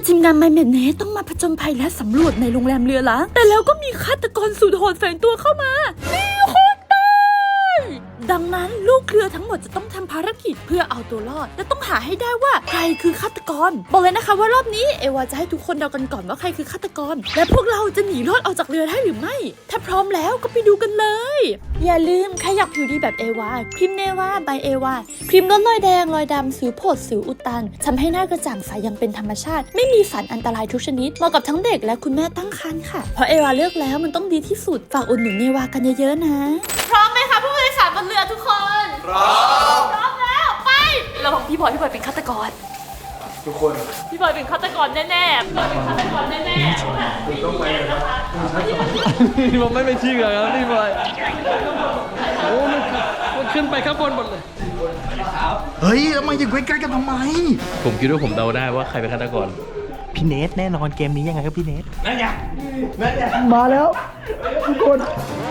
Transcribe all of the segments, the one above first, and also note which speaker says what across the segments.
Speaker 1: ทีมงานไมเมนเนต้องมาผจญภัยและสำรวจในโรงแรมเรือล้างแต่แล้วก็มีฆาตกรสุดโหดแฝงตัวเข้ามามีคนตายดังนั้นลูกเรือทั้งหมดจะต้องทำภารกิจเพื่อเอาตัวรอดและต้องหาให้ได้ว่าใครคือฆาตกรบอกเลยนะคะว่ารอบนี้เอวาจะให้ทุกคนเดากันก่อนว่าใครคือฆาตกรและพวกเราจะหนีรอดออกจากเรือได้หรือไม่ถ้าพร้อมแล้วก็ไปดูกันเลยอย่าลืมใครอยากผิวดีแบบเอวาครีมเนวาบายเอวาครีมลดรอยแดงรอยดำสิวผดสิวอุดตันทำให้หน้ากระจ่างใสอย่างเป็นธรรมชาติไม่มีสารอันตรายทุกชนิดเหมาะกับทั้งเด็กและคุณแม่ตั้งครรภ์ค่ะเพราะเอวาเลือกแล้วมันต้องดีที่สุดฝากอุดหนุนเนวากันเยอะๆนะพร้อมไหมคะผู้โดยสารบนเรือทุกคนพร้อมแล้วไปเราบอกพี่บอยเป็นฆาตกร
Speaker 2: ทุกคน
Speaker 1: พี่บอยเป็นฆาตกรแน่ๆพี่บอยเป็นฆาตกรแน่ๆต้องไปนะคะ
Speaker 3: นี่ผมไม่เป็นชื่อเลยครับนี่บอยโอ้มันขึ้นไปข้างบนหมดเลย
Speaker 2: เฮ้ยแล้วมาอยู่ใกล้ๆกันทำไม
Speaker 3: ผมคิดว่าผมเดาได้ว่าใครเป็นฆาตกร
Speaker 2: พี่เนทแน่นอนเกมนี้ยังไงก็พี่เนท
Speaker 3: นั่นไง
Speaker 2: มาแล้วทุกคน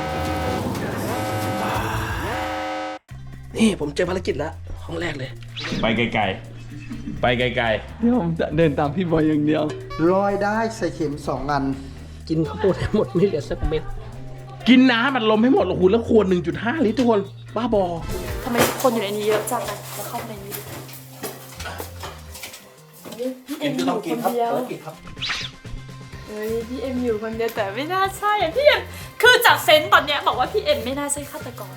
Speaker 2: นี่ผมเจอภารกิจแล้วห้องแรกเลย
Speaker 3: ไปไกลๆไปไกลๆนี่ผมเดินตามพี่บอยอย่างเดียว
Speaker 2: รอยได้ใส่เข็ม2 อันกินข้าวโพดให้หมดไม่เหลือสักเม็ด
Speaker 3: กินน้ำมันลมให้หมดโอ้โหแล้วขวด 1.5 ลิตรทุกคนบ้าบอ
Speaker 1: ทำไมคนอยู่ในนี้เยอะจังนะแล้วเข้าไปในนี้พี่เอ็มอยู่คนเดียวเฮ้ยพี่เอ็มอยู่คนเดียวแต่ไม่น่าใช่อ่ะพี่เอ็มคือจากเซนส์ตอนเนี้ยบอกว่าพี่เอ็มไม่น่าใช่ฆาตกร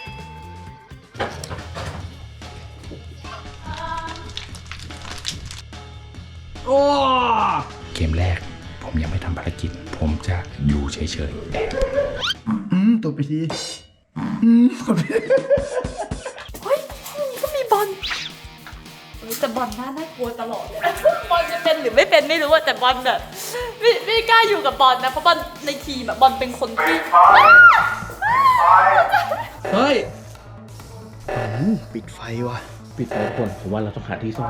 Speaker 3: โอ้
Speaker 4: เกมแรกผมยังไม่ทำภารกิจผมจะอยู่เฉยๆแอบ
Speaker 2: ตัวไปทีกดไป
Speaker 1: เฮ้ยห้องนี้ก็มีบอลแต่บอลน่ากลัวตลอดเลยบอลจะเป็นหรือไม่เป็นไม่รู้อะแต่บอลแบบไม่กล้าอยู่กับบอลนะเพราะบอลในทีมอะบอลเป็นคนที่
Speaker 3: เฮ้ย
Speaker 2: ปิดไฟว่ะ
Speaker 3: ปิดไฟคนผมว่าเราต้องหาที่ซ่อน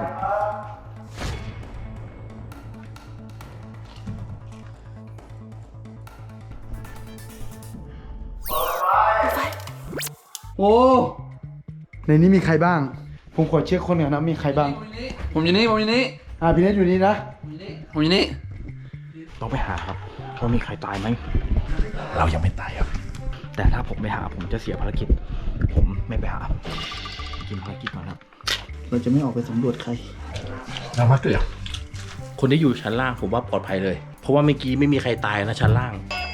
Speaker 2: โอ้ในนี้มีใครบ้างผมขอเช็คคนก่อนนะมีใครบ้าง
Speaker 3: ผมอยู่นี่
Speaker 2: พี่เนทอยู่นี่นะ
Speaker 3: ผมอยู่นี่
Speaker 2: ต้องไปหาครับว่ามีใครตายไหม
Speaker 4: เรายังไม่ตายครับ
Speaker 2: แต่ถ้าผมไปหาผมจะเสียภารกิจผมไม่ไปหากินภารกิจก่อนครับเราจะไม่ออกไปสำรวจใคร
Speaker 4: เรามาเกลือ
Speaker 3: คนที่อยู่ชั้นล่างผมว่าปลอดภัยเลยเพราะว่าเมื่อกี้ไม่มีใครตายนะชั้นล่าง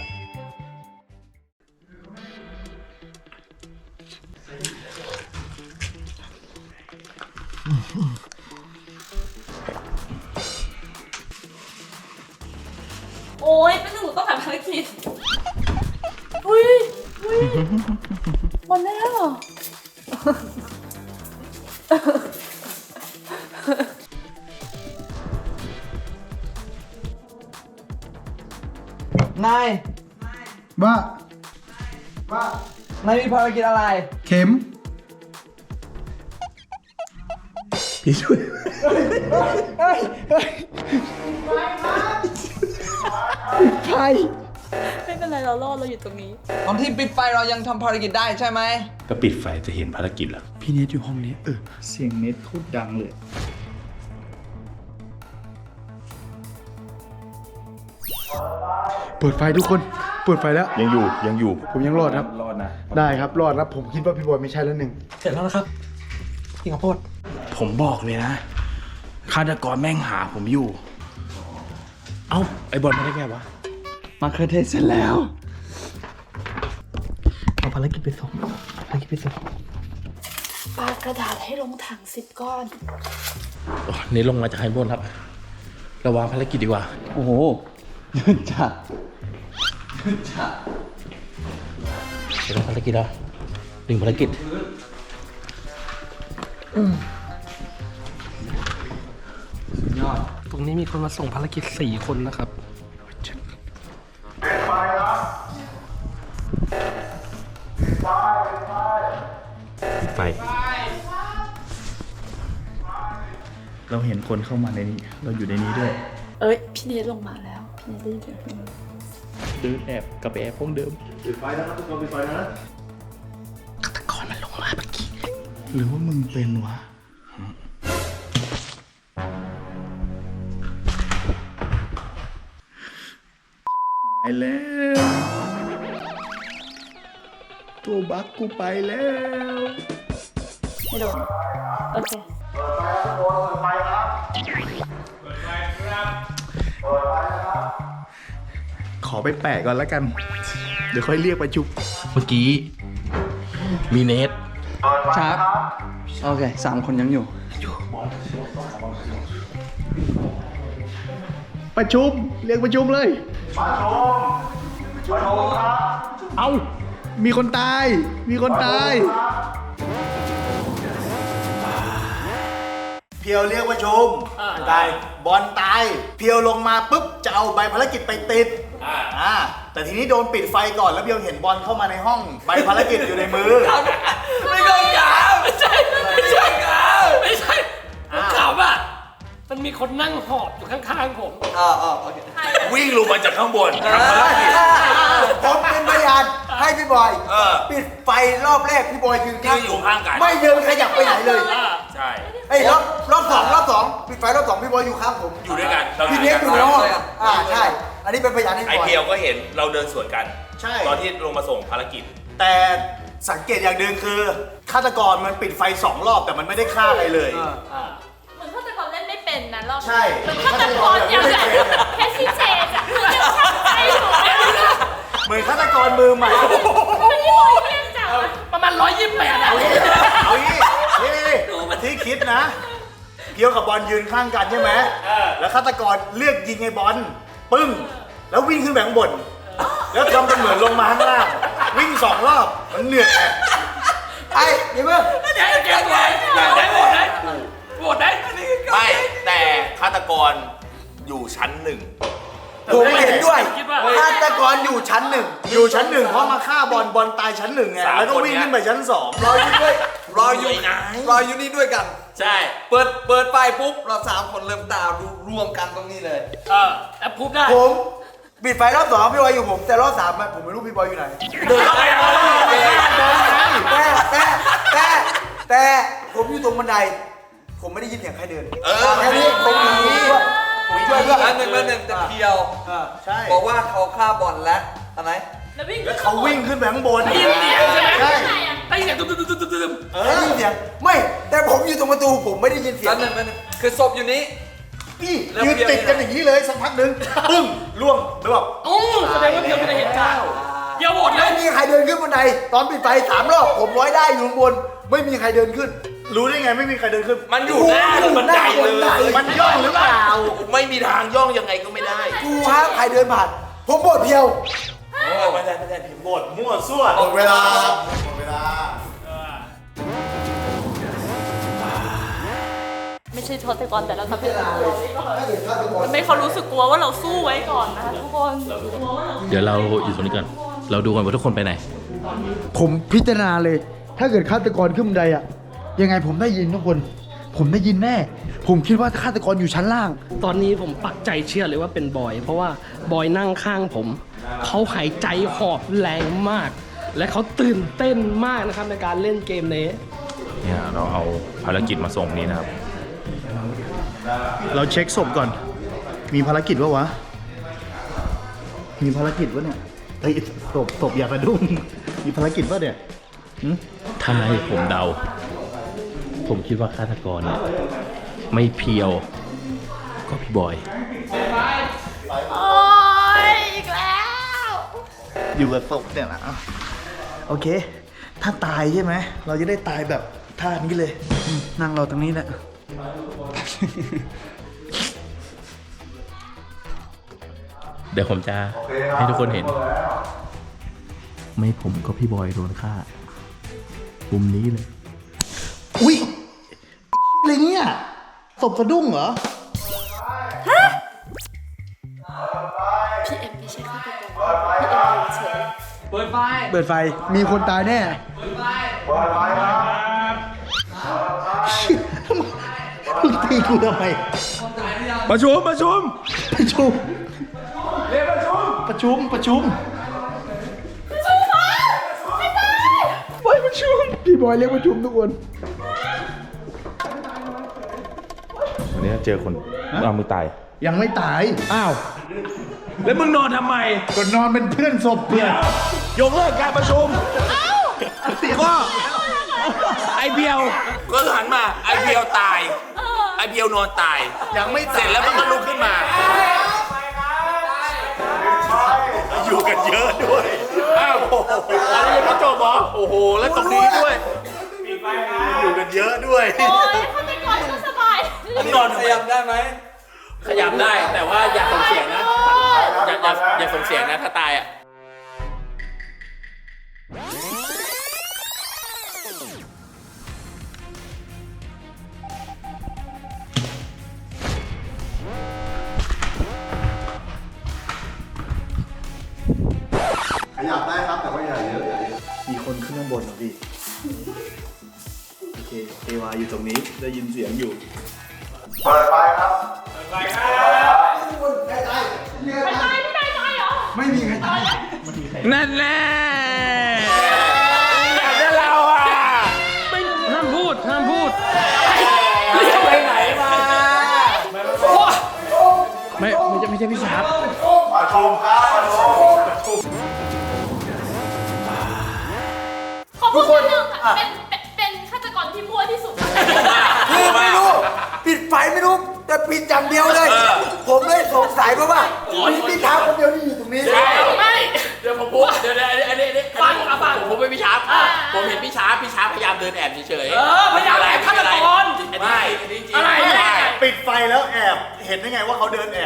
Speaker 1: โอ้ยเป็นหนูต้องทำภารกิจอุ้ยบอลได้แล้วเหร
Speaker 5: อนาย
Speaker 2: ว่าน
Speaker 5: ายมีภารกิจอะไร
Speaker 2: เข็ม
Speaker 4: พี่ช่วย
Speaker 2: ใคร
Speaker 1: ไม่เป็นไรเรารอดเราอยู่ตรงนี้
Speaker 5: ตอนที่ปิดไฟเรายังทำภารกิจได้ใช่ไหม
Speaker 4: ก็ปิดไฟจะเห็นภารกิจแล้ว
Speaker 2: พี่เนทอยู่ห้องนี้เสียงเนทพูดดังเลยเปิดไฟทุกคนเปิดไฟแล้ว
Speaker 4: ยังอยู่
Speaker 2: ผมยังรอดครับ
Speaker 4: รอดนะ
Speaker 2: ได้ครับรอดครับผมคิดว่าพี่บอยไม่ใช่แล้วหนึ่ง
Speaker 5: เสร็จแล้วนะครับกินข้าวโพด
Speaker 4: ผมบอกเลยนะฆาตกรแม่งหาผมอยู่เอ้าไอบอลมาได้ไงวะ
Speaker 2: มาเคอร์เทสเสร็จแล้วเอาภารกิจไปส่ง
Speaker 1: ปากระดาษให้ลงถัง10 ก้อน
Speaker 3: นี่ลงมาจากข้างบนครับระวังภารกิจดีกว่า
Speaker 2: โอ้โหจัด
Speaker 3: เสร็จแล้วภารกิจแล้ว1 ภารกิจ
Speaker 5: ยอดตรงนี้มีคนมาส่งภารกิจ4 คนนะครับ
Speaker 4: ไฟ
Speaker 2: เราเห็นคนเข้ามาในนี้เราอยู่ในนี้ด้วย
Speaker 1: พี่เนทลงมาแล้วพี่เนทได้ยินเสียงพี่เนท
Speaker 3: เดินแอบกลับไปแอบห้องเดิม
Speaker 2: ปิดไฟแล้วครับทุกคนปิดไฟนะ
Speaker 3: ฆาตกรมันลงมาเมื่อกี้
Speaker 2: หรือว่ามึงเป็นวะไปแล้วตัวบักกูไปแล้ว
Speaker 1: ไม่โดนโอเค
Speaker 2: ขอไปแปะก่อนแล้วกัน เดี๋ยวค่อยเรียกประชุม
Speaker 4: เมื่อกี้ มีเนท
Speaker 3: ครับโอเค3 คนยังอยู่
Speaker 2: ประชุม เรียกประชุมเลย เอามีคนตาย มีคนตาย
Speaker 6: เพียวเรียกประชุมตายบอลตาย เพียวลงมาปุ๊บจะเอาใบภารกิจไปติดแต่ทีนี้โดนปิดไฟก่อนแล้วเพียวเห็นบอลเข้ามาในห้อง ใบภารกิจอยู่ในมือ
Speaker 5: ไม่ใช่กาวไม่ใช่ผมขำอ่ะมันมีคนนั่งหอบอยู่ข้างๆผม
Speaker 4: วิ่งลงมาจากข้างบน
Speaker 6: ผมเป็นพยานให้พี่บอยปิดไฟรอบแรกพี่บอยยืนข้าง
Speaker 4: อยู่ข้างกัน
Speaker 6: ไม่เดินขยับไปไหนเลย
Speaker 4: ใช่
Speaker 6: ไอ้ยรอบสองปิดไฟรอบ 2พี่บอยอยู่ข้างผม
Speaker 4: อยู่ด้วยกันเรา
Speaker 6: พี่เนี้ยอยู่ในห้องใช่ อันนี้เป็นพยานให้
Speaker 4: ไอ
Speaker 6: พี่บอย
Speaker 4: เพียวก็เห็นเราเดินสวนกัน
Speaker 6: ใช่
Speaker 4: ตอนที่ลงมาส่งภารกิจ
Speaker 6: แต่สังเกตอย่างหนึ่งคือฆาตกรมันปิดไฟ2 รอบแต่มันไม่ได้ฆ่าใครเลย
Speaker 1: เหมือนฆาตกรเล่นไม่เป็นนะรอบนี้
Speaker 6: ใช่
Speaker 1: เหมือนฆาตกรยังแบบแค่ชี้เจนอะคือยังช่างใจอยู่ไม่รู้เรื่อง
Speaker 6: เหมือนฆาตกรมือใหม่
Speaker 1: มันที่บอยเที่ยงจังอะ
Speaker 5: ประมาณ128อ่ะ
Speaker 6: เอางี้นี่ที่คิดนะ เพียวกับบอลยืนข้างกันใช่ไหมแล้วฆาตกรเลือกยิงไอ้บอลปึ้งแล้ววิ่งขึ้นแบงบน แล้วทำเป็นเหมือนลงมาข้างล่างวิ่ง2 รอบมันเหนื่อยไงไอ้เดี๋ยวมึง
Speaker 5: เดี๋ยวได้โหวตได้
Speaker 4: ไม่แต่ฆาตกรอยู่ชั้น 1
Speaker 6: ผมเห็นด้วย
Speaker 5: คิดว่า
Speaker 6: ฆาตกรอยู่ชั้น 1อยู่ชั้น 1เพราะมาฆ่าบอลตายชั้น 1ไงแล้วก็วิ่งขึ้นไปชั้น 2
Speaker 7: รออยู่ด้วยรออยู่
Speaker 4: ไอ้นาย
Speaker 7: รออยู่นี่ด้วยกัน
Speaker 4: ใช่
Speaker 7: เปิดไฟปุ๊บเรา3 คนเริ่มตามดูรวมกันตรงนี้เลย
Speaker 5: แอปพูดได้
Speaker 6: ผมปิดไฟรอบ 2พี่บอยอยู่ผมแต่รอบ 3อะผมไม่รู้พี่บอยอยู่ไหน
Speaker 4: เดินเข้าไปเอา
Speaker 6: แต่ผมอยู่ตรงบันได ผมไม่ได้ยินเสียงใครเดิน
Speaker 4: ไม่
Speaker 6: แค่
Speaker 4: ได้
Speaker 6: นี้ผมช่วยด้วย
Speaker 7: อันหนึ่งแต่เพียว
Speaker 6: ใช่
Speaker 7: บอกว่าเขาฆ่าบอลแล้วอะไร
Speaker 1: แล้ววิ่ง
Speaker 6: แล้วเขาวิ่งขึ้นไปข้างบน
Speaker 5: ได้ยินเสียงใช่ไหม
Speaker 6: ใช่
Speaker 5: ได้ยินเสียงตุ้ม
Speaker 6: ได้ยินเสียงไม่แต่ผมอยู่ตรงประตูผมไม่ได้ยินเสีย
Speaker 7: อั
Speaker 6: ง
Speaker 7: นหนึ่งคือศพอยู่นี้
Speaker 6: พี่ยืนติดกันอย่างนี้เลยสักพักหนึ่งปึ้งล่วงแล้วแบบ
Speaker 5: โอ้แสดงว่าเพียวไม่ได้เห็นจ้าเพียวโหวตเล
Speaker 6: ไม่
Speaker 5: ย
Speaker 6: มีใครเดินขึ้นบันไดตอนปิดไฟ3 รอบผมร้อยได้อยู่ข้างบนไม่มีใครเดินขึ้น รู้ได้ไงไม่มีใครเดินขึ้น
Speaker 4: มันอยู่หน้าบันไดเลย
Speaker 6: มันย่องหรือเปล่า
Speaker 4: ไม่มีทางย่องยังไงก็ไม่ได้
Speaker 6: กูฮะใครเดินผ่านผมบดเพียว
Speaker 4: ไม่ได้พิมพ์บท
Speaker 6: มั่วซั่วหมดเวลาหมดเวลา
Speaker 1: ไม่ใช่ฆาตกรแต่เราทำให้เขากลัวไว้ก่อนทำให้เขารู้สึกกลัวว่าเราสู้ไว้ก่อนนะคะทุกคน
Speaker 8: เดี๋ยวเราอยู่ตรงนี้ก่อน เราดูกันว่าทุกคนไปไหน
Speaker 2: ผมพิจารณาเลย ถ้าเกิดฆาตกรขึ้นบันไดอะยังไงผมได้ยินทุกคน ผมได้ยินแน่ ผมคิดว่าฆาตกรอยู่ชั้นล่าง
Speaker 5: ตอนนี้ผมปักใจเชื่อเลยว่าเป็นบอย เพราะว่าบอยนั่งข้างผมเขาหายใจหอบแรงมาก และเขาตื่นเต้นมากนะครับในการเล่นเกมนี้
Speaker 8: เนี่ยเราเอาภารกิจมาส่งนี้นะครับ
Speaker 2: เราเช็คศพก่อน มีภารกิจวะวะ มีภารกิจวะเนี่ยเฮ้ยศพอย่ากระดุ้งมีภารกิจวะเนี่ยหึ
Speaker 8: ถ้าให้ผมเดา ผมคิดว่าฆาตกรเนี่ยไม่เพียว ก็พี่บอย
Speaker 1: โอ้ยอีกแล้ว
Speaker 2: อยู่กับศพเนี่ยนะโอเค ถ้าตายใช่ไหม เราจะได้ตายแบบท่านี้เลยนั่งรอตรงนี้แหละ
Speaker 8: เดี๋ยวผมจะให้ทุกคนเห็น ไม่ผมก็พี่บอยโดนฆ่ามุมนี้เลย
Speaker 2: อุ๊ยอะไรเนี่ยศพสะดุ้งเหรอ
Speaker 1: พี่เอ็มไม่ใช่ฆาตกรพี่เอ็มเฉย
Speaker 2: เปิดไฟ มีคนตายแน่ มึงตีกูทำไม
Speaker 4: ประชุม
Speaker 2: ประชุมเรียกประชุม ประชุมไปประชุม พี่บอยเรียกประชุมทุกคน
Speaker 8: วันนี้เจอคนเอามือตาย
Speaker 2: ยังไม่ตาย อ้าว
Speaker 4: แล้วมึงนอนทำไม
Speaker 2: ก็นอนเป็นเพื่อนศพเพื่อน
Speaker 4: ยกเลิกการประชุมก็ไอเบียว
Speaker 7: ก็หันมาไอเบียวตาย ไอเบียวนอนตาย
Speaker 6: ยังไม่
Speaker 7: เสร็จแล้วมันก็ลุกขึ้นมา
Speaker 6: อยู่กันเยอะด้วย
Speaker 7: อ้าวอะไรยังไม่จบเหรอโอ้โห แล้วตรงนี้ด้วย
Speaker 6: อยู่กันเยอะด้วย
Speaker 1: โอ้ยฆาตกรก็สบาย
Speaker 7: นอนขยับได้ไหม ขยับได้แต่ว่าอย่าส่งเสียงนะ อย่าส่งเสียงนะถ้าตายอ่ะ
Speaker 2: ขยับได้ครับแต่ว่าอย่าเยอะมีคนขึ้นข้างบนเหรอพี่ โอเคเอวาอยู่ตรงนี้ได้ยินเสียงอยู่
Speaker 1: ไปตายพี่นายตายเหรอ
Speaker 2: ไม่มีใครตาย
Speaker 4: นั่นแน่แล้วเราอ่ะ
Speaker 5: ห้ามพูด ห้ามพูด
Speaker 7: ไปไหนมา
Speaker 4: ไม่ใช่พี่ชาร์ป
Speaker 1: ขอพูดนิดนึงค่ะเป็นฆาตกรที่มั่วที่สุด
Speaker 9: คือไม่รู้ ปิดไฟไม่รู้ แต่ปิดอย่างเดียวเลย ผมเลยสงสัยเพราะว่ามีพี่เท้าคนเดียวที่อยู่ตรงนี้
Speaker 1: ไม่
Speaker 7: เดี๋ยวผมพูดเดี๋ยวอันนี้ผมเป็นพี่ชาร์ปผมเห็นพี่ชาร์ปพยายามเดินแอบเฉยๆ
Speaker 5: พยายามแอบฆาตกร
Speaker 7: ไม่อะไร
Speaker 6: ปิดไฟแล้วแอบเห็นได้ไงว่าเขาเดินแอบ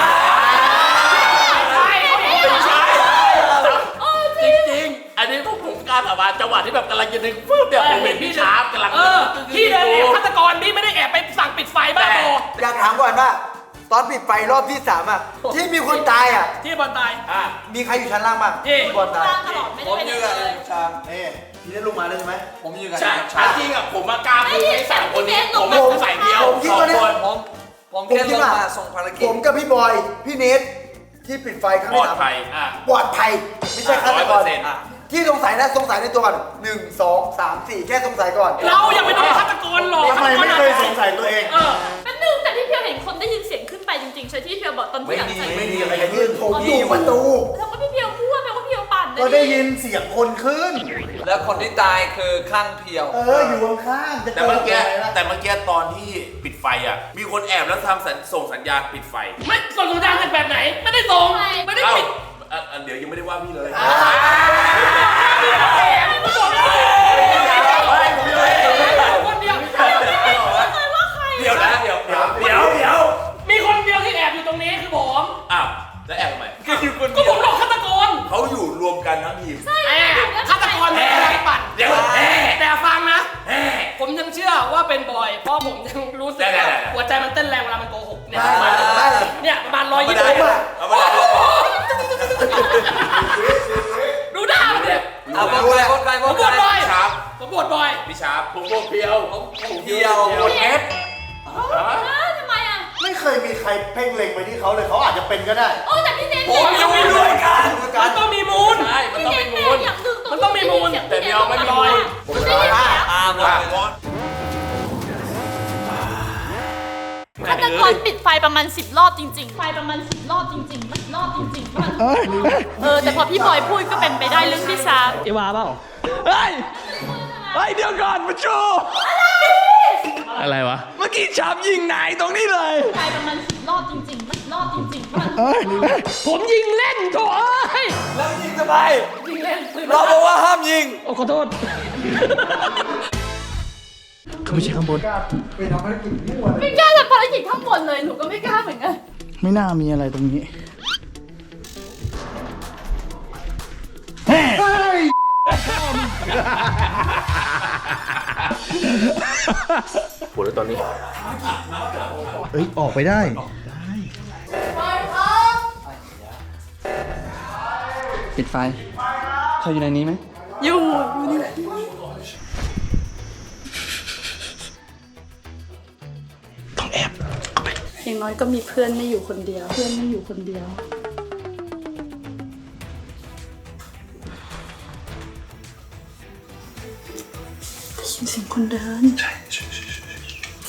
Speaker 7: จริงๆ อันนี้ผมกล้าสาบานจังหวะที่แบบกำลังจะดึงฟึ๊บเนี่ยผมเห็นพี่ชาร์ปกำลัง
Speaker 5: พี่เดินแอบฆาตกรนี่ไม่ได้แอบไปสั่งปิดไฟบ้าบอ
Speaker 9: อยากถามก่อนว่า ตอนปิดไฟรอบที่ 3อ่ะ ที่มีคนตายอ่ะ
Speaker 5: ที่บอลตาย
Speaker 9: มีใครอยู่ชั้นล่างบ้าง
Speaker 5: เอ๊ะ
Speaker 9: บอลตาย
Speaker 1: ตลอดไม่
Speaker 7: ผ
Speaker 1: ได้
Speaker 7: ม
Speaker 1: ไป
Speaker 7: ยื
Speaker 1: ไหน
Speaker 7: น
Speaker 1: เลย
Speaker 7: ชา
Speaker 9: นี่พี่ได้ลงมาเลยใช่ไหม
Speaker 7: ผมยืนกันจริงอะผมมากล้าพูดให้สามคนนี้ผมไม่ใส่เดียว
Speaker 9: ผมคิด
Speaker 7: สอง
Speaker 9: ว่าเนี่ย
Speaker 7: คน
Speaker 9: ผมคิดว่าผมกับพี่บอย พี่เนทที่ปิดไฟครั้ง
Speaker 7: ปล
Speaker 9: ที่
Speaker 7: อด
Speaker 9: สาม
Speaker 7: ภัย
Speaker 9: ปลอดภัย ไม่ใช่ฆาตกร
Speaker 7: 100%
Speaker 9: ที่สงสัยนะสงสัยในตัวก่อน1 2 3 4 แค่สงสัยก่อน
Speaker 5: เราอย่าไปโดนฆาตกรหรอก
Speaker 6: ทำไมไม่เคยสงสัยตัวเอง
Speaker 1: เป็นหนึ่งแต่ที่เพียวเห็นคนได้ยินเสียงขึ้นไปจริงๆใช่ที่เพียวบอกตอนที่หลังจาก
Speaker 9: ไม่ดีอะไรกันนี่ผมอยู่ประตู
Speaker 1: แล้วก็พี่เพียวพูดไปว่าเพียวปั่นนะ
Speaker 6: ก็ได้ยินเสียงคนขึ้น
Speaker 7: แล้วคนที่ตายคือข้างเพียว
Speaker 6: อยู่ข้างๆจะ
Speaker 7: แต่เมื่อกี้ตอนที่ปิดไฟอ่ะ มีคนแอบแล้วทำส่งสัญญาณปิดไฟ
Speaker 5: ไม่ส่งสัญญาณจากแบบไหน ไม่ได้ส่ง ไม่ได้ปิด
Speaker 7: เดี๋ยวยังไม่ได้ว่าพี่เลย
Speaker 5: คนเดียว
Speaker 7: เดี๋ยวนะเดี๋ยว
Speaker 5: มีคนเดียวที่แอบอยู่ตรงนี้คือผม
Speaker 7: อ้าวแล้วแอบทำไมก็อยู่คน
Speaker 5: ก็ผมหลอกฆาตกร
Speaker 7: เขาอยู่รวมกันทั้งทีม
Speaker 5: ฆาตกรไม่ได้ปั่นแต่ฟังนะ ผมยังเชื่อว่าเป็นบอย เพราะผมยังรู้สึกว่าหัวใจมันเต้นแรงเวลามันโกหกเนี่ยประมาณ120
Speaker 7: เอามาได้
Speaker 5: ดูหน้ามันเนี่ย
Speaker 7: เอาบอลไป
Speaker 5: ผมบวชบอย
Speaker 7: ชาร์ป
Speaker 5: ผมบวชบอย
Speaker 7: พี่ชาร์ปผมโกเพียวเพียวเอฟ
Speaker 1: ทำไมอ่ะ
Speaker 6: ไม่เคยมีใครเพ่งเล็งไปที่เขาเลยเขาอาจจะเป็นก็ได้
Speaker 1: โอ้แต่พี่เนท
Speaker 5: ผมยังไม่รู้กันมันต้องมีมูล
Speaker 7: ใช่มันต้องมีมูล
Speaker 5: มันต้องมีมูล
Speaker 7: แต่เดียวไม่มีมูล
Speaker 1: มันได้ยินเสียง
Speaker 7: ตามเลย
Speaker 1: ฆาตกรปิดไฟประมาณ10 รอบจริงๆ ไฟประมาณ10 รอบจริงๆ10 รอบจริงๆแต่พอพี่บอยพูดก็เป็นไปได้เรื่องที่ชาร์ป
Speaker 5: เอวาเปล่า
Speaker 4: เฮ้ยเดี๋ยวก่อนมาชู
Speaker 8: อะไรวะ
Speaker 4: เมื่อกี้ชาร์ปยิงนายตรงนี้เลย
Speaker 1: ไฟประมาณ10 รอบจริงๆ10 รอบจริงๆ
Speaker 5: ผมยิงเล่นโถ่เอ้ย
Speaker 7: แล้วยิงทำไม
Speaker 5: ยิงเล่น
Speaker 7: เราบอกว่าห้ามยิง
Speaker 5: โอ้ขอโทษ
Speaker 8: เขาไม่ใช่ข้างบน
Speaker 1: ไม่กล้าทำภารกิจข้างบนเลย หนูก็ไม่กล้าเหมือนกัน
Speaker 2: ไม่น่ามีอะไรตรงนี้
Speaker 8: ปวดแล้วตอนนี้
Speaker 2: เอ้ย ออกไปได้
Speaker 3: ปิดไฟเขาอยู่ในนี้ไหม
Speaker 1: อยู่ต้องแอบอย่างน้อยก็มีเพื่อนไม่อยู่คนเดียว ได้ยินเสียงคนเดิน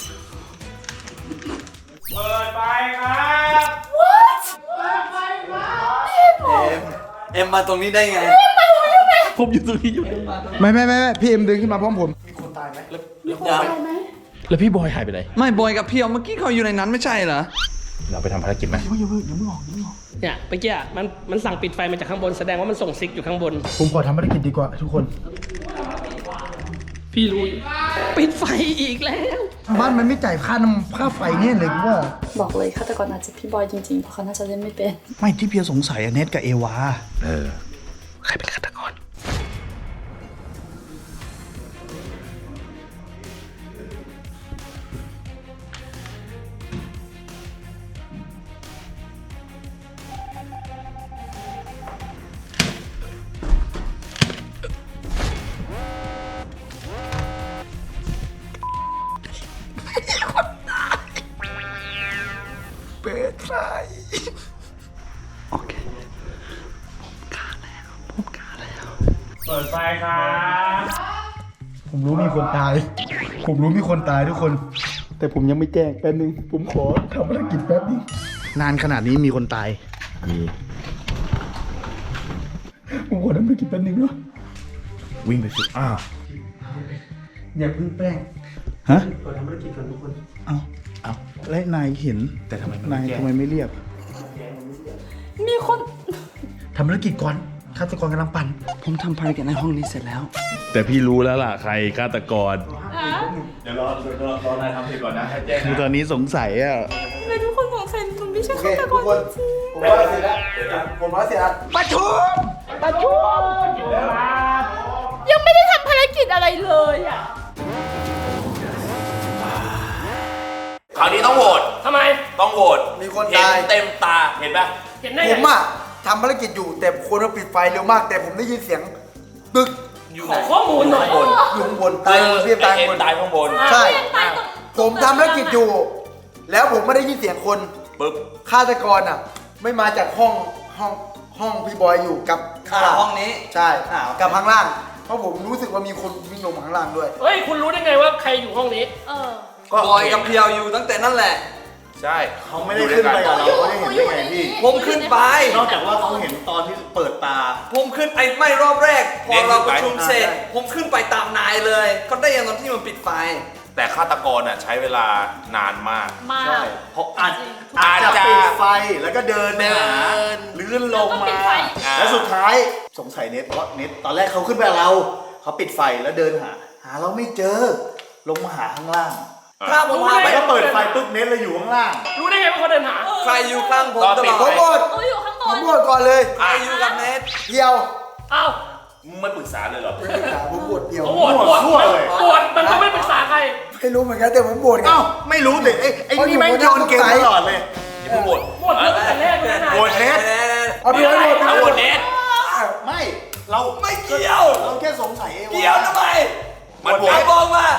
Speaker 6: เปิดไฟครับ
Speaker 1: What?
Speaker 6: เปิดไฟครับ
Speaker 9: เอ็มมาตรงนี้ได้ไง
Speaker 8: ผมอยู่ตรงนี้อยู่
Speaker 4: ไม่พี่เอ็มดึงขึ้นมาพร้อมผม
Speaker 8: แล้วพี่บอยหายไปไหน
Speaker 3: ไม่บอยกับเพียวเมื่อกี้เขาอยู่ในนั้นไม่ใช่เหรอ
Speaker 8: เราไปทำภารกิจไหม
Speaker 5: เนี่ยเมื่อกี้มันสั่งปิดไฟมาจากข้างบนแสดงว่ามันส่งซิกอยู่ข้างบน
Speaker 2: ผมขอทำภารกิจดีกว่าทุกคน
Speaker 5: พี่รู้อยู่ปิดไฟอีกแล้ว
Speaker 2: บ้านมันไม่จ่ายค่าไฟเนี่ยเลยว่า
Speaker 1: บอกเลยฆาตกรอาจจะพี่บอยจริงๆเพราะเขาน่าจะเล่นไม่เป็น
Speaker 2: ไม่ที่เพียวสงสัยอะเน็ตกับเอวา
Speaker 8: ใครเป็นฆาตกร
Speaker 2: ผมรู้มีคนตาย ทุกคน แต่ผมยังไม่แจ้งแป๊บนึง ผมขอทำภารกิจแป๊บนึง นานขนาดนี้มีคนตาย ผมขอทำภารกิจแป๊บนึงด้วย
Speaker 8: วิ่งไปสุด
Speaker 2: อย่าเพิ่งแป้ง ฮะขอทำภารกิจก่อนทุกคน เอาและนายเห็น แต่ทำไมนายทำไมไม่เรียก
Speaker 1: มีคน
Speaker 2: ทำภารกิจก่อนฆาตกรกำลังปั่น
Speaker 3: ผมทำภารกิจในห้องนี้เสร็จแล้ว
Speaker 8: แต่พี่รู้แล้วล่ะใครฆาตกร
Speaker 2: คือตอนนี้สงสัยอ่ะ
Speaker 1: ทำไมทุกคนสงสัยหนูไม่ใช่ฆาตกรจริง
Speaker 9: ผมว่าเสร็จแล้วผมว่าเสร็จแล้วประชุม
Speaker 1: ยังไม่ได้ทำภารกิจอะไรเลยอ่ะ
Speaker 7: คราวนี้ต้องโหวต
Speaker 5: ทำไม
Speaker 7: ต้องโหวต
Speaker 9: มีคน
Speaker 7: เห็น
Speaker 9: ตาย
Speaker 7: เต็มตา เห็นปะ
Speaker 5: เห็นได้
Speaker 9: ผ
Speaker 5: ไง
Speaker 9: มอะทำภารกิจอยู่แต่คนมาปิดไฟเร็วมาก แต่ผมได้ยินเสียงตึก
Speaker 7: อยู่
Speaker 5: ข
Speaker 7: ไหน
Speaker 5: อข้อมูลหน่อย
Speaker 9: อยู่ข้างบนตายเรียบตาย
Speaker 7: เห็น
Speaker 9: บน
Speaker 7: ตายข้างบน
Speaker 9: ใช่ ผมทำภารกิจอยู่ แล้วผมไม่ได้ยินเสียงคน
Speaker 7: ปึ๊บ
Speaker 9: ฆาตกรอ่ะ ไม่มาจากห้องพี่บอยอยู่กับข้างล่าง
Speaker 3: ห้องนี้
Speaker 9: ใช่กับข้างล่าง เพราะผมรู้สึกว่ามีคนวิ่งลงมาข้างล่างด้วย
Speaker 5: เฮ้ย คุณรู้ได้ไงว่าใครอยู่ห้องนี้
Speaker 3: บอยกับเพียวอยู่ตั้งแต่นั่นแหละ
Speaker 7: ใช่
Speaker 6: เขาไม่ได้ขึ้นไปกับเราเขาได้เห็นได้ไงพี่
Speaker 3: ผมขึ้นไป
Speaker 6: นอกจากว่าเขาเห็นตอนที่เปิดตา
Speaker 3: ผมขึ้นไอ้ไม่รอบแรก พอเราประชุมเสร็จ ผมขึ้นไปตามนายเลย ก็ได้ยังตอนที่มันปิดไฟ
Speaker 7: แต่ฆาตกรน่ะใช้เวลานานมาก
Speaker 1: มา
Speaker 6: ใช่
Speaker 1: ก
Speaker 6: เพราะอาจ
Speaker 7: อาจจะ
Speaker 6: ปิดไฟแล้วก็เดินหาลื่นลง
Speaker 1: แล้วก็ปิ
Speaker 6: มา
Speaker 1: ดไฟ
Speaker 6: แล้วสุดท้ายสงสัยเน็ตเพราะเน็ตตอนแรกเขาขึ้นไปกับเราเขาปิดไฟแล้วเดินหาเราไม่เจอ ลงมาหาข้างล่าง
Speaker 3: ถ้าผมพาไป
Speaker 6: แล้วก็เปิดไฟปุ๊บเน็ตเลยอยู่ข้างล่าง
Speaker 5: รู้ได้ไงว่าเขาเดินหา
Speaker 3: ใครอยู่ข้างผม
Speaker 7: ตอน
Speaker 3: ต
Speaker 7: ปิ
Speaker 3: ล
Speaker 7: ด
Speaker 3: อด
Speaker 7: ไฟ
Speaker 9: ผมหมด
Speaker 1: หนูอยู่ข้างบ
Speaker 9: ผม
Speaker 1: น
Speaker 9: หมดก่อนเลย
Speaker 3: ใครอยู่กับเนท
Speaker 9: เดียว
Speaker 5: อ้าว
Speaker 7: ไม่ปรึกษาเลยเหรอ
Speaker 9: ผมบวชเดียว
Speaker 5: โหวต
Speaker 6: ทั่วเลย
Speaker 5: โหวตมันก็ไม่ปรึกษาใคร
Speaker 9: ไม่รู้เหมือนกันแต่ผมบวชไง
Speaker 6: เอ้าไม่รู้แต่ไอ้นี่แม่งโยนเกมตลอดเลย
Speaker 7: อย่าเพิ่งโหวต
Speaker 5: โหวตเรื่องแต่แรกเลยนะ
Speaker 6: โหวตเน็ต
Speaker 9: เอาพี่ไว้บวช
Speaker 7: เอาโหวตเนท
Speaker 6: ไม่เรา
Speaker 3: ไม่เกี่ยว
Speaker 6: เราแค่สงสัยเอวา
Speaker 3: เกี่ยวทำไม
Speaker 7: มันโหว
Speaker 3: ไอ้
Speaker 7: ต
Speaker 3: บอกมา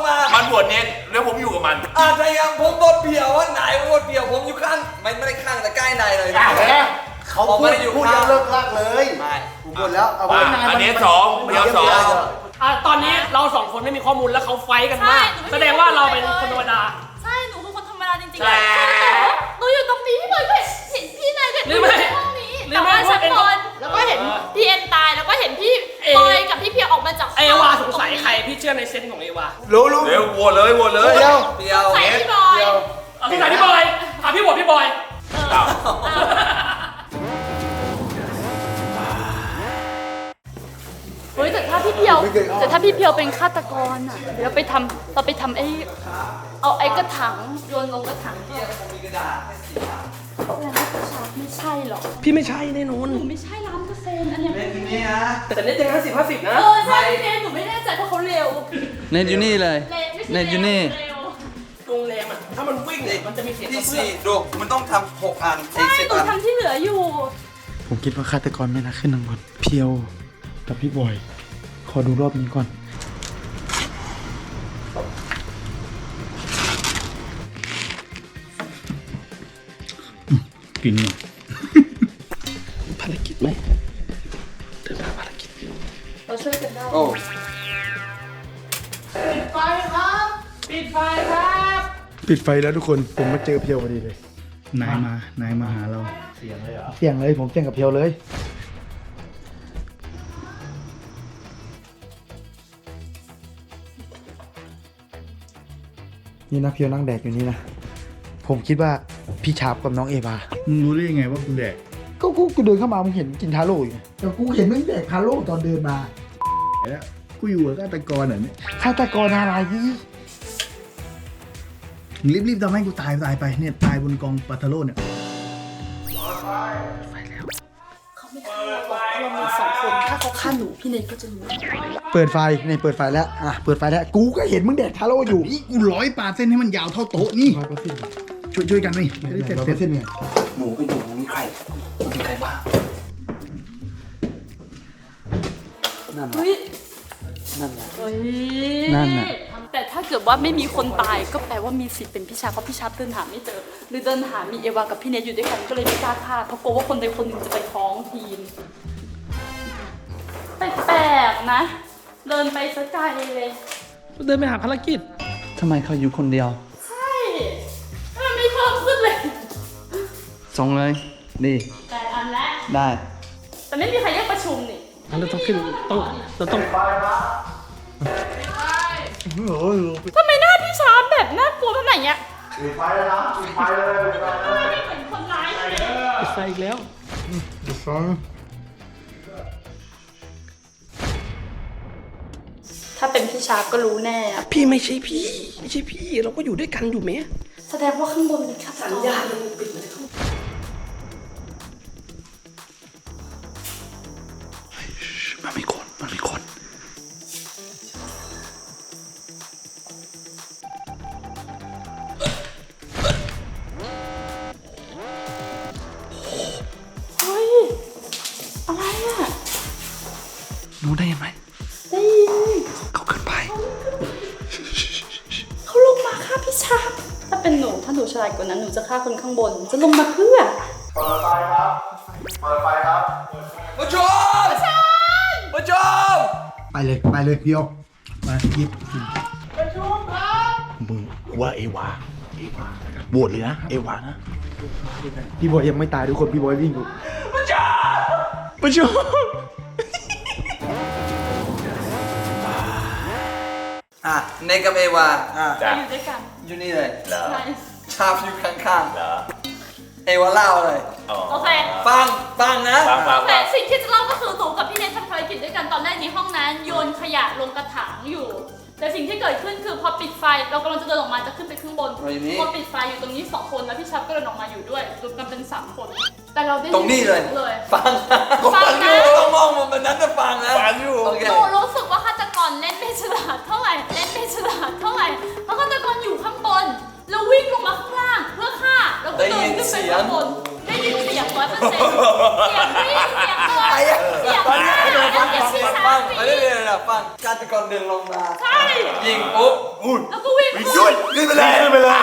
Speaker 7: มันโหวตเนทแล้วผมอยู่กับมัน
Speaker 3: อาจจะยังผมบดเพียวว่านายบดเพียวผมอยู่ข้างไม่ได้ข้างแต่ใกล้นายเลย
Speaker 6: อ่ะเห็นไหมเขา
Speaker 3: ผม
Speaker 6: พู
Speaker 3: ไม่
Speaker 6: ด
Speaker 3: ได้อยู่
Speaker 6: พูด
Speaker 3: ข้าง
Speaker 6: ยังเลิกลากเลย
Speaker 3: ไม่
Speaker 9: ผมบวชแล้วเอาไว้
Speaker 7: อันนี้สองเดียวสอง
Speaker 5: ตอนนี้เราสองคนไม่มีข้อมูลแล้วเขาไฟท์กันมาก
Speaker 1: ใช่
Speaker 5: แสดงว่าเราเป็นคนธรรมดา
Speaker 1: ใช่ หนูคือคนธรรมดาจริงๆ
Speaker 5: ใช่
Speaker 1: หนูอยู่ตรงนี้พี่บอยก็เห็นพี่นายเห็น
Speaker 5: หรือไม่
Speaker 1: ในห้องนี้
Speaker 5: หรือ
Speaker 1: แต่
Speaker 5: ไม่
Speaker 1: ว่าชั้นบนแล้วก็เห็นพี่เอ็มตายแล้วก็เห็นพี่บอยกับพี่เพียวออกมาจาก
Speaker 5: เอวาสงสัยใครพี่เชื่อในเซนส์ของเอวา
Speaker 9: รู้
Speaker 7: เร็วโหวตเลยโหวตเลย
Speaker 9: เดียว
Speaker 3: เพียว
Speaker 1: ใส่พี่บอย
Speaker 5: สงสัยพี่บอยพี่โหวตพี่บอย
Speaker 1: เฮ้ยแต่ถ้าพี่เพียวเป็นฆาตกรอ่ะเดี๋ยวเราไปทำเอาไอ้กระถางโยนลงกระถางไม่ใช่หรอก
Speaker 5: พี่ไม่ใช่แน่นอน
Speaker 1: หนูไม่ใช่100%อันเนี้ย
Speaker 3: นี่ฮะ
Speaker 5: แต่เน็ตยัง50-50นะ
Speaker 1: ใช่พี่เนมหนูไม่แน่ใจเพราะเขาเร็ว
Speaker 3: เนทอยู่นี่เลย
Speaker 1: ไม่ใช่
Speaker 3: เนทอยู่นี่
Speaker 1: เร็ว
Speaker 5: โรงแรมอ่ะถ้ามันวิ่งมันจะมีเสียง
Speaker 3: ที่
Speaker 5: กระเพื่อ
Speaker 3: สี่
Speaker 5: ม
Speaker 3: ดูมันต้องทำ6 อัน
Speaker 1: ใช่
Speaker 3: 10
Speaker 1: หนู
Speaker 3: อัน
Speaker 1: ทำที่เหลืออยู่
Speaker 2: ผมคิดว่าฆาตกรไม่น่าขึ้นทางบนเพียวกับพี่บอย ขอดูรอบนี้ก่อน กินหน่อย
Speaker 5: ภารกิจไหมเดินทางภารกิจ
Speaker 1: เราช่วยกันได้
Speaker 3: โอ้
Speaker 5: ปิดไฟครับ ปิดไฟครับ
Speaker 2: ปิดไฟแล้วทุกคน ผมมาเจอเพียวพอดีเลย นายมาหาเรา เสียงเลยเหรอ เสียงเลย ผมแจ้งกับเพียวเลย
Speaker 9: นี่นะเพียวนั่งแดกอยู่นี่นะ ผมคิดว่าพี่ชาร์ปกับน้องเอวา
Speaker 2: มึงรู้ได้ยังไงว่ากูแดก
Speaker 9: ก็กูเดินเข้ามามึงเห็นกินทาโร่อยู่ไงแต่กูเห็นมึงแดกทาโร่ตอนเดินมา
Speaker 2: แล้วกูอยู่กับฆาตกรเหรอเนี่ย
Speaker 9: ฆาตกรอะไรนี่
Speaker 2: มึงรีบๆทำให้กูตายไปเนี่ยตายบนกองปาทาโร่เนี่ย
Speaker 1: เขาไม่ฆ่าเราหรอกเพราะเรามีสองคนถ้าเขาฆ่าหนูพี่เนทก็จะรู้
Speaker 9: เปิดไฟนี่เปิดไฟแล้วอ่ะเปิดไฟแล้วกูก็เห็นมึงแดกทาโร่อยู่
Speaker 2: นี่กู100%ให้มันยาวเท่าโต๊ะนี่
Speaker 9: 100%
Speaker 2: ช่วยกันนี่จะได้เสร็จ
Speaker 9: 100%เนี่ยหมูก็อยู่มีใครมีใครบ้างนั่น
Speaker 1: เฮ้ย
Speaker 9: นั่นแหละ
Speaker 1: เฮ้ย
Speaker 9: นั่นน่ะ
Speaker 1: แต่ถ้าเกิดว่าไม่มีคนตายก็แปลว่ามีสิทธิ์เป็นพี่ชาเพราะพี่ชาเดินหาไม่เจอ หรือเดินหามีเอวากับพี่เนทอยู่ด้วยกันก็เลยไม่กล้าฆ่าเพราะกลัวว่าคนใดคนหนึ่งจะไปท้องทีมแปลกๆนะ เดินไปสักไกลเลย
Speaker 3: เดินไปหาภารกิจ
Speaker 9: ทำไมเขาอยู่คนเดียว
Speaker 1: ใช่มันไม่เพิ่มขึ้นเลย
Speaker 9: ส่งเลยดี
Speaker 1: แต่อันแรก
Speaker 9: ได้
Speaker 1: แต่ไม่มีใครเรียกประชุมนี่
Speaker 3: เราต้องขึ้นเราต้อง
Speaker 1: ทำไมหน้าพี่ชาแบบน่ากลัวขนาดเนี้ยปิดไฟเลยนะปิดไฟเลยไม่เหมือนคนร้ายเลย
Speaker 3: ปิดไฟอีกแล้ว
Speaker 1: ถ้าเป็นพี่ชาก็รู้แน่อะ
Speaker 3: พี่ไม่ใช่พี่ ไม่ใช่พี่ เราก็อยู่ด้วยกันอยู่ไหม
Speaker 1: แสดงว่าข้างบนเป็นฆาตกรสัญญาณมันปิดเลย
Speaker 4: มันมีคน
Speaker 1: เฮ้ย อะไรอะ
Speaker 4: รู้ได้ไหม
Speaker 1: ได้ยิน
Speaker 4: เขาขึ้นไป
Speaker 1: เขาลงมาฆ่าพี่ชาถ้าเป็นหนูถ้าหนูฉลาดกว่านั้นหนูจะฆ่าคนข้างบน จะลงมาเพื่อ
Speaker 7: ผู้ชมผู้ชม
Speaker 9: ไปเลยเพียวมาหยิบ
Speaker 4: มึงว่าเอวาโหวตเลยนะ เอวานะ
Speaker 9: พี่บอยยังไม่ตายทุกคนพี่บอยวิ่งอยู่
Speaker 4: ประชุม
Speaker 7: เนกับเอวา
Speaker 1: อยู่ด้วยกัน
Speaker 7: อยู่นี่เลย
Speaker 1: ใช่
Speaker 7: ชาบอยู่ข้างๆเอวาเล่าเลย
Speaker 1: โอเค
Speaker 7: ฟังนะ
Speaker 1: โอเค สิ่งที่จะเล่าก็คือหนูกับพี่เนททำภารกิจด้วยกันตอนแรกในห้องนั้นโยนขยะลงกระถางอยู่ แต่สิ่งที่เกิดขึ้นคือพอปิดไฟเรากำลังจะเดินออกมาจะขึ้นไปข้างบนพอปิดไฟอยู่ตรงนี้2คนแล้วพี่ชับก็เดินออกมาอยู่ด้วยรวมกันเป็น3คนแต่เราได้ยิ
Speaker 7: ตรงนี้เลย
Speaker 1: เลย
Speaker 7: ฟังอยู่ต้องมองมันเป็นนั้นจะฟังนะฟังอยู่โอเค
Speaker 1: หนูรู้สึกว่าฆาตกรเล่นไม่ฉลาดเท่าไหร่เพราะฆาตกรอยู่ข้างบนแล้ววิ่งลงมาข้างล่างเพื่อฆ่าแล้วก็เดินขึ้นไปข้างบนได้ยินเสียง100%เสียงวิ่งเสียงเดินเสียงฆ่าแล้วเสียงชี้ช้า
Speaker 7: ฟังเดี๋ยวฟังฆาตกรเดินลงมา
Speaker 1: ใช่
Speaker 7: ยิงปุ๊บ
Speaker 1: แล้วก็วิ่งขึ้น
Speaker 6: ขึ้นไปเลยขึ้นไปเลย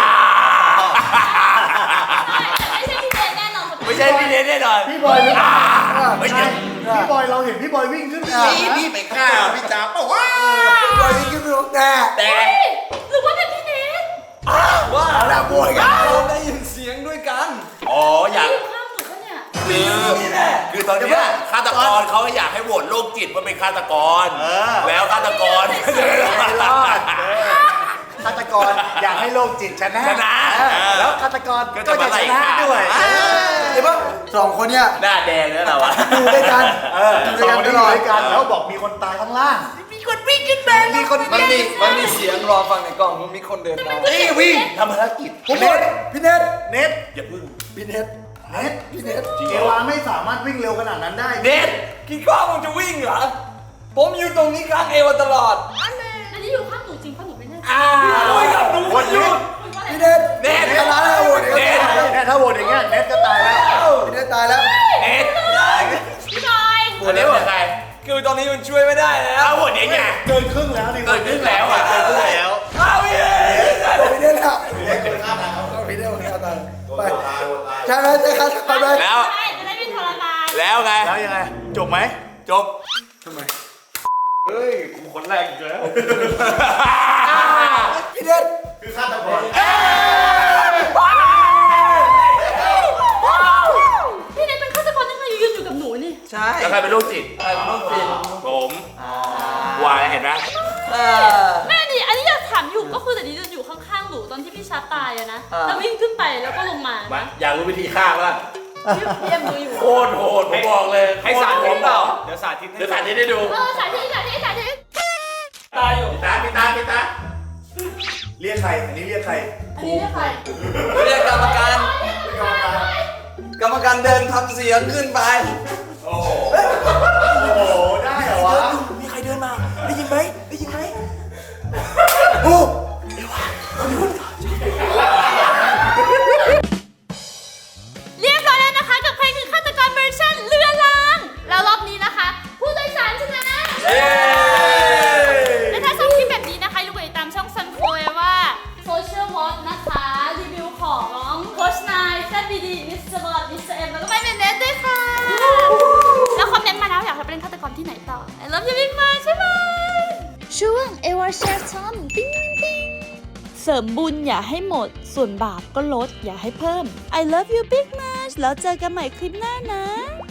Speaker 1: ไม่ใช่พี่เนทแน่นอน
Speaker 7: ไม่ใช่พี่เนทแน่นอน
Speaker 6: พี่บอยหรือเปล่าไม่ใช่พี่บอยเราเห็นพี่บอยวิ่งขึ้นไปเลยนะ
Speaker 7: พี่ไปฆ่าพี่จ๋าเปล่าวะ
Speaker 9: พี่บอยวิ่งขึ้นไปลงแต่
Speaker 7: แต่
Speaker 1: หรือว่าเป็นพี่เนท
Speaker 7: ว่า
Speaker 9: แล้วบวยกัน
Speaker 7: เราได้ยินเสียงด้วยกัน
Speaker 10: อ๋ออยาก
Speaker 1: อยู่ข้างหนูปะเนี่ย
Speaker 10: คือตอนเนี้ยฆาตกรเขาอยากให้โหวตโรคจิตว่าเป็นฆาตกร แล้วฆาตกรก็จะไม่รอ
Speaker 6: ไม่รอ
Speaker 10: ด
Speaker 6: ดฆาตกรอยากให้โลกจิตชนะ
Speaker 10: ชนะ
Speaker 6: แล้วฆาตกร
Speaker 10: ก็
Speaker 6: ก็
Speaker 10: จะ
Speaker 6: จะ
Speaker 10: มาไล่
Speaker 6: ชนะ
Speaker 10: ฆ่า
Speaker 6: ด้วย
Speaker 9: เห็นปะ2 คนเนี่ย
Speaker 10: หน้าแดงแล้วเราอะ
Speaker 9: อยู่ด้วยกัน
Speaker 6: อยู่ด้วยกันตลอดกันแล้วบอกมีคนตายข้างล่าง มีคนวิ่งขึ้นไปมีคน
Speaker 7: มันมีเสียงรอฟังในกล่องมันมีคนเดินมา
Speaker 6: นี่วิ่งทำภารกิจ
Speaker 9: ผมบอยพี่เนท
Speaker 6: เน็ต
Speaker 10: อย่าพึ่ง
Speaker 9: พี่เนท
Speaker 6: เน็ต
Speaker 9: พี่เนท
Speaker 6: เอวาไม่สามารถวิ่งเร็วขนาดนั้นได้
Speaker 7: เด็ดกี่ข้อมึงจะวิ่งเหรอ ผมอยู่ตรงนี้ข้างเอวาตลอด
Speaker 1: อันนี้อยู่ข้างหนูจริงเพราะหนูไม่แน่ใจ
Speaker 7: คุยกับหนูคนหยุด
Speaker 9: พี่เนท
Speaker 10: เน็ต
Speaker 9: ชนะแล้วโหวต
Speaker 10: เน็ต
Speaker 6: เนี่ยถ้าโหวตอย่างเงี้ยเน็ตก็ตายแล้ว
Speaker 9: พี่เนทตายแล้ว
Speaker 10: เน็ต
Speaker 1: พี่บอย
Speaker 10: อันนี้เป็นใคร
Speaker 7: คือตอนนี้มันช่วยไม่ได้แล้ว
Speaker 10: เอาโหวตเนี่ยไง
Speaker 6: เกินครึ่งแล้วดิ
Speaker 10: เกิดขึ้นแล้วอ่ะเกิดขึ้นแล้ว
Speaker 7: เอาพี่
Speaker 9: พี่เนทแล้วพี่เนทคนฆ่าตายไปใช่ไหมใช่ครับไป
Speaker 10: แล้ว
Speaker 1: ใช่จะได้ไม่ทรมาน
Speaker 10: แล้วไง
Speaker 6: แล้วยังไงจบไหม
Speaker 10: จบ
Speaker 9: พี่เนท
Speaker 6: คือฆาตกร
Speaker 1: พี่เนทเป็นฆาตกรยังไงยืนอยู่กับหนูนี่
Speaker 7: ใช่
Speaker 10: แล้วใครเป็นโรคจิต
Speaker 7: ใครเป็นโรคจิต
Speaker 10: ผมวายเห็นไหม
Speaker 1: แม่ดิอันนี้อยากถามอยู่ก็คือแต่นี้จะอยู่ข้างๆหนูตอนที่ชัดตายอะนะแล้ววิ่งขึ้นไปแล้วก็ลงมา
Speaker 10: มาอยากรู้วิธีฆ่าปะล่ะ
Speaker 1: พี่เอ็มดูอยู่
Speaker 10: โคตรโหดผมบอกเลย
Speaker 6: ให้สาธิตเปล่าเดี๋ยวสาธิต
Speaker 10: เดี๋ยวสาธิตให้ดู
Speaker 1: สาธิต
Speaker 5: ตายอยู่
Speaker 10: พี่ตา
Speaker 6: เรียกใคร อันนี้เรียกใคร
Speaker 1: อันนี้เรียกใคร
Speaker 9: เรียกกรรมการ
Speaker 6: เรียกกรรมการ
Speaker 9: กรรมการเดินทำเสียงขึ้นไป
Speaker 6: โอ้โห โอ้โห ได้เหรอวะ
Speaker 9: มีใครเดินมา ได้ยินไหม ได้ยินไหมโอ้
Speaker 1: เรียบร้อยแล้วนะคะกับเพลงคือฆาตกรเวอร์ชันเรือล้างแล้วรอบนี้นะคะ ผู้โดยสารชนะและถ้าชอบคลิปแบบนี้นะคะอย่าลืมกดติดตามช่อง Sun Forever Social Walk นะคะรีวิวของโค้ชนายแซดบีดีมิสเตอร์บอลมิสเตอร์เอ็มแล้วก็ไม่เป็นเน็ตด้วยค่ะแล้วคอมเมนต์มาแล้วอยากให้ไปเล่นฆาตกรที่ไหนต่อ I love you big much ใช่ไหมช่วงเอวาแชร์ทอมปิ้งปิ้งเสริมบุญอย่าให้หมดส่วนบาปก็ลดอย่าให้เพิ่ม I love you big much แล้วเจอกันใหม่คลิปหน้านะ